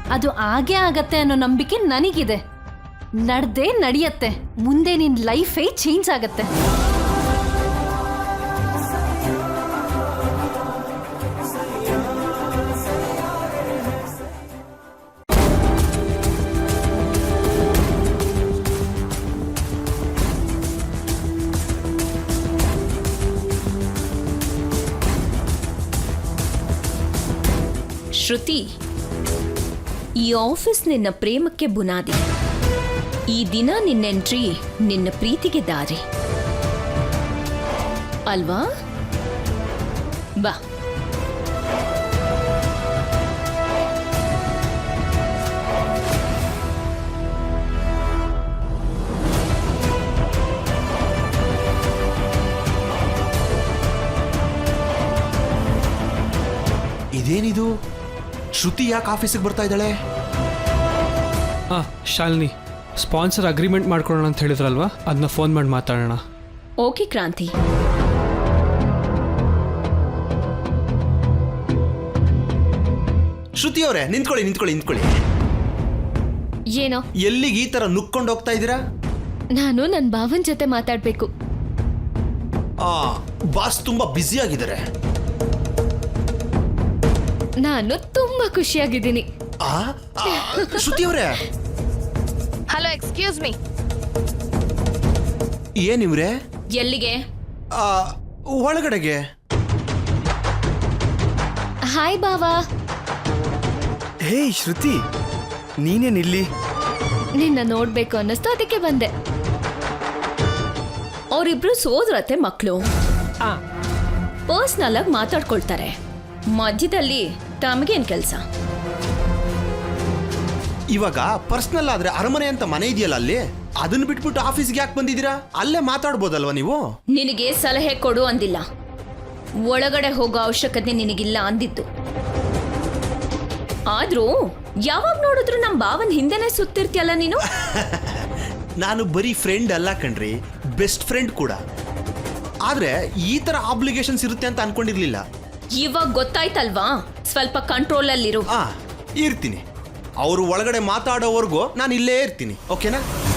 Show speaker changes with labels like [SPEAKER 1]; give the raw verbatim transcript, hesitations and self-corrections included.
[SPEAKER 1] ಅದು ಆಗೇ ಆಗತ್ತೆ ಅನ್ನೋ ನಂಬಿಕೆ ನನಗಿದೆ. ನಡ್ದೇ ನಡೆಯತ್ತೆ. ಮುಂದೆ ನಿನ್ ಲೈಫೇ ಚೇಂಜ್ ಆಗತ್ತೆ.
[SPEAKER 2] ಶ್ರುತಿ, ಈ ಆಫೀಸ್ ನಿನ್ನ ಪ್ರೇಮಕ್ಕೆ ಬುನಾದಿ. ಈ ದಿನ ನಿನ್ನ ಎಂಟ್ರಿ ನಿನ್ನ ಪ್ರೀತಿಗೆ ದಾರಿ ಅಲ್ವಾ? ಬಾ.
[SPEAKER 3] ಇದೇನಿದು? ಶ್ರುತಿ ಯಾಕೆ ಆಫೀಸಿಗೆ ಬರ್ತಾ ಇದ್ದಾಳೆ?
[SPEAKER 4] ಹಾಂ ಶಾಲಿನಿ, ಸ್ಪಾನ್ಸರ್ ಅಗ್ರಿಮೆಂಟ್ ಮಾಡ್ಕೊಳ್ಳೋಣ ಅಂತ ಹೇಳಿದ್ರಲ್ವಾ, ಅದನ್ನ ಫೋನ್ ಮಾಡಿ ಮಾತಾಡೋಣ.
[SPEAKER 2] ಓಕೆ ಕ್ರಾಂತಿ.
[SPEAKER 3] ಶ್ರುತಿ ಅವರೇ, ನಿಂತ್ಕೊಳ್ಳಿ ನಿಂತ್ಕೊಳ್ಳಿ ನಿಂತ್ಕೊಳ್ಳಿ.
[SPEAKER 2] ಏನೋ
[SPEAKER 3] ಎಲ್ಲಿಗೆ ಈ ತರ ನುಕ್ಕೊಂಡು ಹೋಗ್ತಾ ಇದ್ದೀರಾ?
[SPEAKER 2] ನಾನು ನನ್ನ ಭಾವನ್ ಜೊತೆ ಮಾತಾಡ್ಬೇಕು.
[SPEAKER 3] ಆ ಬಾಸ್ ತುಂಬಾ ಬ್ಯುಸಿ ಆಗಿದ್ದಾರೆ.
[SPEAKER 2] ನಾನು ತುಂಬಾ ಖುಷಿಯಾಗಿದ್ದೀನಿ.
[SPEAKER 3] ಆ ಶ್ರುತಿ ಅವರೇ.
[SPEAKER 5] Hello, excuse me.
[SPEAKER 3] ಏನಿವ್ರೆ?
[SPEAKER 2] ಎಲ್ಲಿಗೆ?
[SPEAKER 3] ಒಳಗಡೆಗೆ.
[SPEAKER 2] ಹಾಯ್ ಬಾವಾ.
[SPEAKER 6] ಹೇ ಶ್ರುತಿ, ನೀನೇನಿಲ್ಲಿ?
[SPEAKER 2] ನಿನ್ನ ನೋಡ್ಬೇಕು ಅನ್ನಿಸ್ತು, ಅದಕ್ಕೆ ಬಂದೆ. ಅವರಿಬ್ರು ಸೋದರತ್ತೆ ಮಕ್ಕಳು. ಪರ್ಸ್ನಲ್ ಆಗಿ ಮಾತಾಡ್ಕೊಳ್ತಾರೆ. ಮಧ್ಯದಲ್ಲಿ ತಮಗೇನ್ ಕೆಲಸ?
[SPEAKER 3] ಇವಾಗ ಪರ್ಸನಲ್ ಆದ್ರೆ ಅರಮನೆ ಅಂತ ಮನೆ ಇದೆಯಲ್ಲ, ಅಲ್ಲಿ ಅದನ್ನ ಬಿಟ್ಬಿಟ್ಟು ಆಫೀಸ್ಗೆ ಯಾಕೆ ಬಂದಿದ್ದೀರಾ? ಅಲ್ಲೇ ಮಾತಾಡ್ಬೋದಲ್ವಾ ನೀವು?
[SPEAKER 2] ನಿನಗೆ ಸಲಹೆ ಕೊಡು ಅಂದಿಲ್ಲ, ಒಳಗಡೆ ಹೋಗೋ ಅವಶ್ಯಕತೆ ನಿನಗಿಲ್ಲ ಅಂದಿತ್ತು. ಆದ್ರೂ ಯಾವಾಗ ನೋಡಿದ್ರು ನಮ್ ಭಾವನ್ ಹಿಂದೆನೆ ಸುತ್ತಿರ್ತಿಯಲ್ಲ ನೀನು.
[SPEAKER 3] ನಾನು ಬರೀ ಫ್ರೆಂಡ್ ಅಲ್ಲ ಕಣ್ರಿ, ಬೆಸ್ಟ್ ಫ್ರೆಂಡ್ ಕೂಡ. ಆದ್ರೆ ಈ ತರ ಆಬ್ಲಿಗೇಷನ್ಸ್ ಇರುತ್ತೆ ಅಂತ ಅನ್ಕೊಂಡಿರ್ಲಿಲ್ಲ.
[SPEAKER 2] ಇವಾಗ ಗೊತ್ತಾಯ್ತಲ್ವಾ? ಸ್ವಲ್ಪ ಕಂಟ್ರೋಲ್ ಅಲ್ಲಿರು.
[SPEAKER 3] ಆ ಇರ್ತೀನಿ. ಅವರು ಒಳಗಡೆ ಮಾತಾಡೋವರೆಗೂ ನಾನು ಇಲ್ಲೇ ಇರ್ತೀನಿ, ಓಕೆನಾ?